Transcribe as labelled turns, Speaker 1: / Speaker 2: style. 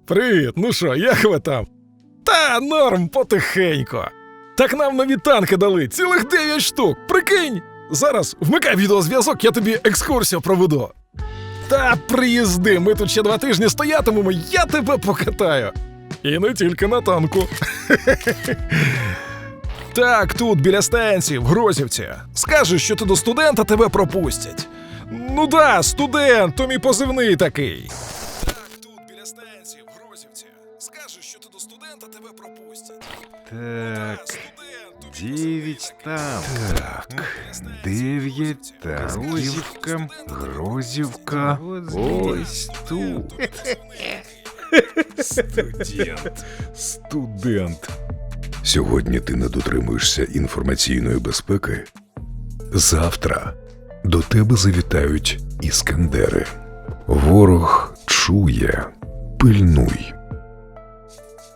Speaker 1: Привіт, ну що, як ви там? Та норм, потихенько. Так нам нові танки дали, цілих 9 штук, прикинь! Зараз вмикай відеозв'язок, я тобі екскурсію проведу. Та приїзди, ми тут ще 2 тижні стоятимемо, я тебе покатаю. І не тільки на танку. Так, тут, біля станції, в Грозівці. Скажеш, що ти до студента, тебе пропустять. Ну да, студент, то мій позивний такий. Так, тут, біля станції, в Грозівці. Скажеш, що ти до студента, тебе пропустять.
Speaker 2: Так, 9 там. Так, 9 та Грозівка. Ось тут.
Speaker 1: Студент.
Speaker 3: Сьогодні ти не дотримуєшся інформаційної безпеки. Завтра до тебе завітають іскандери. Ворог чує. Пильнуй.